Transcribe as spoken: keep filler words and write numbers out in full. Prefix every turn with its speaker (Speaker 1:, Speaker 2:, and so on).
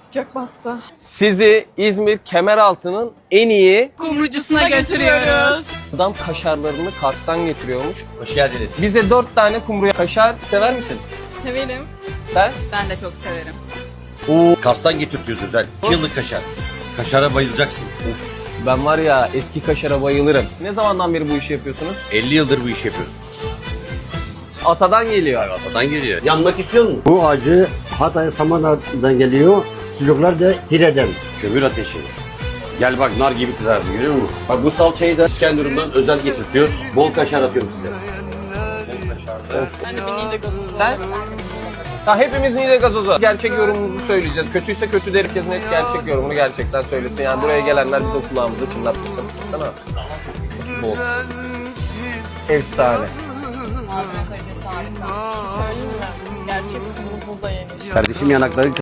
Speaker 1: sıcak bastı.
Speaker 2: Sizi İzmir Kemeraltı'nın en iyi
Speaker 1: Kumrucusuna götürüyoruz.
Speaker 2: adam kaşarlarını Kars'tan getiriyormuş.
Speaker 3: Hoş geldiniz.
Speaker 2: Bize dört tane kumru kaşar sever misin?
Speaker 1: Severim.
Speaker 2: Sen?
Speaker 1: Ben de çok severim.
Speaker 2: Oo.
Speaker 3: Kars'tan getirtiyoruz özel. iki yıllık kaşar. Kaşara bayılacaksın.
Speaker 2: Ben var ya eski kaşara bayılırım. Ne zamandan beri bu işi yapıyorsunuz?
Speaker 3: elli yıldır bu işi yapıyoruz.
Speaker 2: Atadan geliyor.
Speaker 3: Abi atadan geliyor. Yanmak istiyor musun?
Speaker 4: Bu acı Hatay Samana'dan geliyor. Sucuklar da Hire'den.
Speaker 3: Kömür ateşi. Gel bak nar gibi kızardı görüyor musun? Bak bu salçayı da İskenderun'dan özel getirtiyoruz. Bol kaşar atıyorum size.
Speaker 1: Ben de bir Niğde gazozu.
Speaker 2: Sen? Ha, hepimiz Niğde gazozu. Gerçek yorumumuzu söyleyeceğiz. Kötüyse kötü der, herkes net gerçek yorumunu gerçekten söylesin. Yani buraya gelenler biz o kulağımızı çınlatmışsın. Sana. Bol. Efsane.
Speaker 1: Malzeme kalitesi harika. Bir şey söyleyeyim mi? Gerçek kumru burada yenir.
Speaker 4: Kardeşim yanakları